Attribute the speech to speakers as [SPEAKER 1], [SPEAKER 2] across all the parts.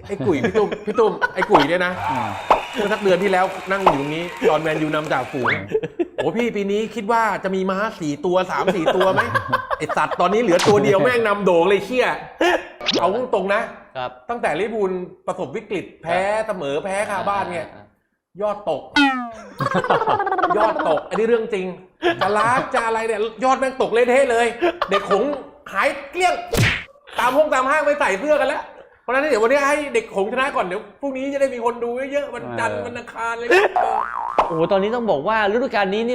[SPEAKER 1] ไอ้กุ๋ยพี่ตุ้มไอ้กุ๋ยเนี่ยนะเมื่อสักเดือนที่แล้วนั่งอยู่ตรงนี้ตอนแมนยูนำจากฝูงโอ้พี่ปีนี้คิดว่าจะมีม้า4 ตัว 3-4 ตัวไหมไอ้สัตว์ตอนนี้เหลือตัวเดียวแม่งนำโด่งเลยเชี่ยเอาตรงนะครับตั้งแต่ลิเวอร์พูลประสบวิกฤตแพ้เสมอแพ้คาบ้านเนี่ยยอดตกอันนี้เรื่องจริงจะล้าจะอะไรเนี่ยยอดแม่งตกเละเทะเลยเด็กขงหายเกลี้ยงตามห้างไปใส่เสื้อกันแล้วเพราะฉะนั้นเดี๋ยววันนี้ให้เด็กขงชนะก่อนเดี๋ยวพรุ่งนี้จะได้มีคนดูเยอะๆวันจันทร์วันอังคารเลย
[SPEAKER 2] โอ้โหตอนนี้ต้องบอกว่าฤดูกาลนี้นี่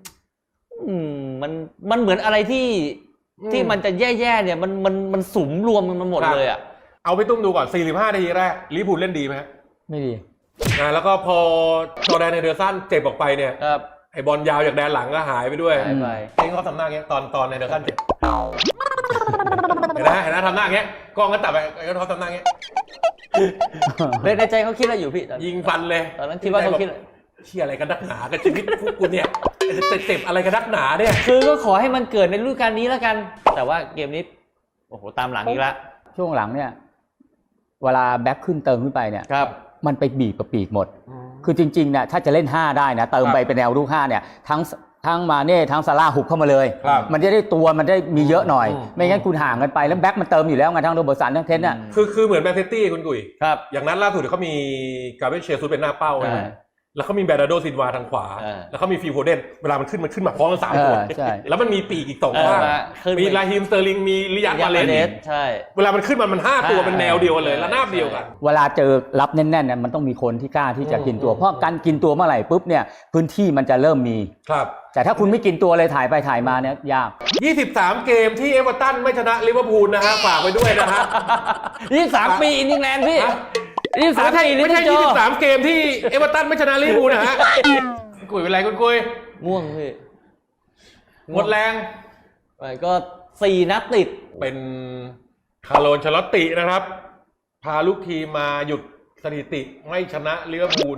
[SPEAKER 2] มันเหมือนอะไรที่มันจะแย่ๆเนี่ยมันสุมรวมกันมาหมดเลยอ่ะ
[SPEAKER 1] เอาไปตุ้มดูก่อน45 นาทีแรกลิเวอร์พูลเล่นดีไหม
[SPEAKER 3] ไม่ดี
[SPEAKER 1] แล้วก็พอจอร์แดนเฮนเดอร์สันเจ็บออกไปเนี่ยไอบอลยาวจากแดนหลังก็หายไปด้วยเองเขาทำหน้าเงี้ยตอนเฮนเดอร์สันเจ็บเห็นนะทำหน้าเงี้ยกล้องก็ตัดไปเขาทำหน้าเงี้ย
[SPEAKER 2] ในใจเขาคิดอะไรอยู่พี่
[SPEAKER 1] ยิงฟันเลย
[SPEAKER 2] ตอนนั้นคิดว่าเขาคิด
[SPEAKER 1] เชี่ยอะไรกันนักหนากับชีวิตพวกกูเนี่ยเจ็บอะไรกันนักหนาเนี่ย
[SPEAKER 2] คือก็ขอให้มันเกิดในฤดูกาลนี้แล้วกันแต่ว่าเกมนี้โอ้โหตามหลังอีกแล้ว
[SPEAKER 3] ช่วงหลังเนี่ยเวลาแบ็คขึ้นเติมขึ้นไปเนี่ยมันไปบีบกับปีกหมดคือจริงๆเนี่ยถ้าจะเล่น5ได้นะเติมไปเป็นแนวรุก5เนี่ยทั้งมาเน่ทั้งซาร่าหุบเข้ามาเลยมันจะได้ตัวมันได้มีเยอะหน่อยไม่งั้นคุณห่างกันไปแล้วแบ็คมันเติมอยู่แล้วไงทั้งโรเบิร์ตสันทั้งเทนน่ะ
[SPEAKER 1] คือเหมือนแมนซิตี้คุณกุ๋ยอย่างนั้นล่าสุดเขามีกาเบรียลเชซุสเป็นหน้าเป้าแล้วเขามีแบรนาโดซินวาทางขวาแล้วเขามีฟิลโฟเดนเวลามันขึ้นมาพร้อมกัน3 คนแล้วมันมีปีกอีก2 ข้างมีลาฮิมสเตอร์ลิงมีริยัด มาเลส
[SPEAKER 2] ใช่
[SPEAKER 1] เวลามันขึ้นมัน5 ตัวเป็นแนวเดียวกันเลยระนาบเดียวกัน
[SPEAKER 3] เวลาเจอรับแน่นๆเนี่ยมันต้องมีคนที่กล้าที่จะกินตัวเพราะการกินตัวเมื่อไหร่ปุ๊บเนี่ยพื้นที่มันจะเริ่มมี
[SPEAKER 1] ครับ
[SPEAKER 3] แต่ถ้าคุณไม่กินตัวเลยถ่ายไปถ่ายมาเนี่ยยาก
[SPEAKER 1] 23 เกมที่เอเวอร์ตันไม่ชนะลิเวอร์พูลนะฮะฝากไว้ด้วยนะฮะ
[SPEAKER 2] 23 ปีอินดิงแลนด์พี่
[SPEAKER 1] ไม่ใช่23 เกมที่เอเวอร์ตันไม่ชนะลิเวอร์พูลนะฮะกุยเป็นไรกุย
[SPEAKER 2] ง่วงพี่
[SPEAKER 1] หมดแรง
[SPEAKER 2] ก็4 นัดติด
[SPEAKER 1] เป็นคาร์โล อันเชลอตตินะครับพาลูกทีมมาหยุดสถิติไม่ชนะลิเวอร์พูล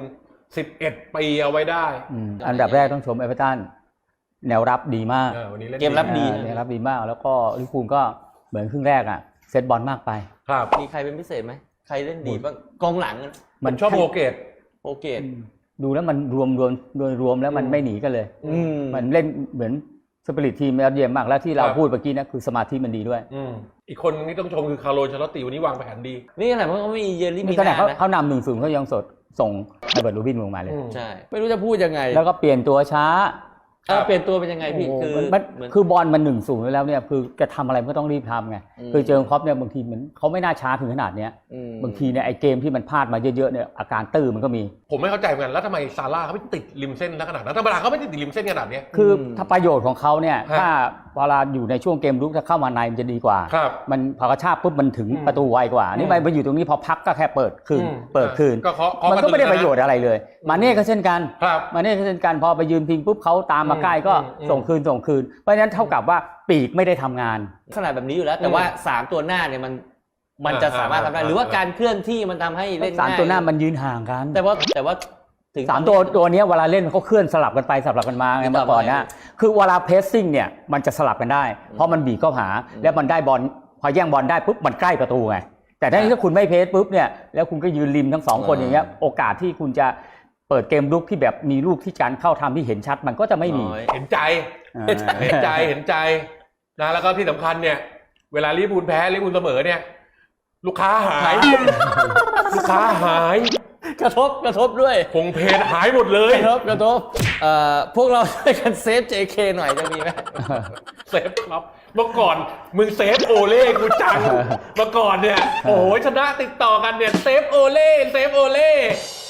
[SPEAKER 1] 11 ปีเอาไว้ได้
[SPEAKER 3] อันดับแรกต้องชมเอเวอร์ตันแนวรับดีมาก
[SPEAKER 2] เกมรับดี
[SPEAKER 3] แนวรับดีมากแล้วก็ลิเวอร์พูลก็เหมือนครึ่งแรกอ่ะเซตบอลมากไป
[SPEAKER 1] ครับ
[SPEAKER 2] มีใครเป็นพิเศษไหมใครเล่นดีบ้างกองหลัง
[SPEAKER 1] มันชอบโอเกต
[SPEAKER 3] ดูแล้วมันรวมแล้วมันไม่หนีกันเลยมันเล่นเหมือนสปิริตทีมเยี่ยมมากแล้วที่เราพูดเมื่อกี้นะคือสมาธิมันดีด้วย
[SPEAKER 1] อีกคนที่ต้องชมคือคาร์โล อันเชลอตติวันนี้วางแผนดี
[SPEAKER 2] นี่ขนาดเขาไม่มีเยลลี่มี
[SPEAKER 3] นาเขานำ1-0เขายังสดส่งไฮเบิร์ต รูบินลงมาเลย
[SPEAKER 2] ใช่ไม่รู้จะพูดยังไง
[SPEAKER 3] แล้วก็เปลี่ยนตัวช้า
[SPEAKER 2] เปลี่ยนตัวเป็นยังไงพี่
[SPEAKER 3] คือบอลมัน1-0แล้วเนี่ยคือจะทำอะไรก็ต้องรีบทำไงคือเจอครอปเนี่ยบางทีเหมือนเขาไม่น่าช้าถึงขนาดเนี้ยบางทีเนี่ยไอเกมที่มันพลาดมาเยอะๆเนี่ยอาการตื้อมันก็มี
[SPEAKER 1] ผมไม่เข้าใจเหมือนกันแล้วทำไมซาร่าเขาไม่ติดริมเส้นขนาดนั้นธรรมดาเขาไม่ติดริมเส้นขนาดนี้
[SPEAKER 3] คือถ้าประโยชน์ของเขาเนี่ยถ้าเวลาอยู่ในช่วงเกมรุกถ้าเข้ามาในมันจะดีกว่ามันพอกระชากปุ๊บมันถึงประตูไวกว่านี่ไปอยู่ตรงนี้พอพักก็แค่เปิดคืนมันก็ไม่ได้ประโยชน์อะไรเลยมาเน่ก็เช่นกันมาเน่ก็เช่นกันพอไปยืนพิงปุ๊บเขาตามมาใกล้ก็ส่งคืนเพราะฉะนั้นเท่ากับว่าปีกไม่ได้ทำงาน
[SPEAKER 2] ขนาดแบบนี้อยู่แล้วแต่ว่า3 ตัวหน้าเนี่ยมันจะสามารถทำได้หรือว่าการเคลื่อนที่มันทำให้เล่นง่าย
[SPEAKER 3] 3 ตัวหน้ามันยืนห่างกัน
[SPEAKER 2] แต่ว่า
[SPEAKER 3] ถึง3 ตัวนี้เวลาเล่นเขาเคลื่อนสลับกันไปสลับกันมาไงเมื่อก่อนนะคือเวลาเพสซิ่งเนี่ยมันจะสลับกันได้เพราะมันบีบเข้าหาแล้วมันได้บอลพอแย่งบอลได้ปุ๊บมันใกล้ประตูไงแต่ถ้าคุณไม่เพสปุ๊บเนี่ยแล้วคุณก็ยืนริมทั้ง2 คนอย่างเงี้ยโอกาสที่คุณจะเปิดเกมลุกที่แบบมีลูกที่การเข้าทำที่เห็นชัดมันก็จะไม่มี
[SPEAKER 1] เห็นใจนะแล้วก็ที่สำคัญเนี่ยเวลาลิเวอร์พูลแพ้ลิเวอร์พูลเสมอเนี่ยลูกค้าหาย
[SPEAKER 2] กระทบด้วย
[SPEAKER 1] คงเพจหายหมดเลย
[SPEAKER 2] กระทบพวกเราช่วยกันเซฟ JK หน่อยจะมีไหม
[SPEAKER 1] เซฟครับเมื่อก่อนมึงเซฟโอเล่กูจังเมื่อก่อนเนี่ยโอ้โหชนะติดต่อกันเนี่ยเซฟโอเล่